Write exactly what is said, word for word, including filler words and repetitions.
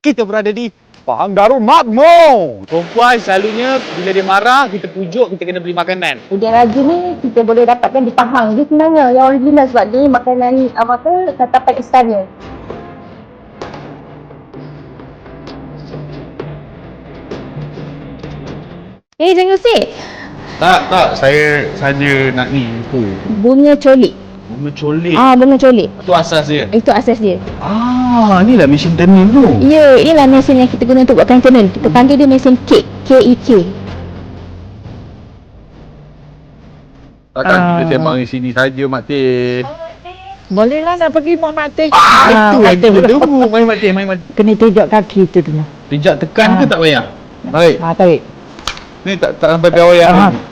kita berada di Pahang Darul Makmur. Perempuan selalunya bila dia marah, kita pujuk, kita kena beli makanan. Udang raja ni kita boleh dapatkan di Pahang. Dia sebenarnya yang original sebab dia makanan apa tu tatapan istana. Eh, jangan usik. Tak, tak. Saya saja nak ni. Tu. Bunga colik. Bunga colik. Ah, bunga colik. Itu asas dia. Itu asas dia. Ah, ni lah mesin tenun tu. Ya, inilah mesin yang kita guna untuk buatkan tenun. Kita panggil dia mesin K. K E K. Takkan Ah. kita sembang di sini saja, Mak Teh. Boleh lah nak pergi Mak Mak Teh. Ah, itu Mak yang Teh kita dulu. tunggu. Main Mak Teh, main Mak Teh. Kena tejak kaki tu dulu. Pijak tekan ke Ah. tak payah? Baik. Ha, tarik. Ni tak tak sampai piawai ya. Ah.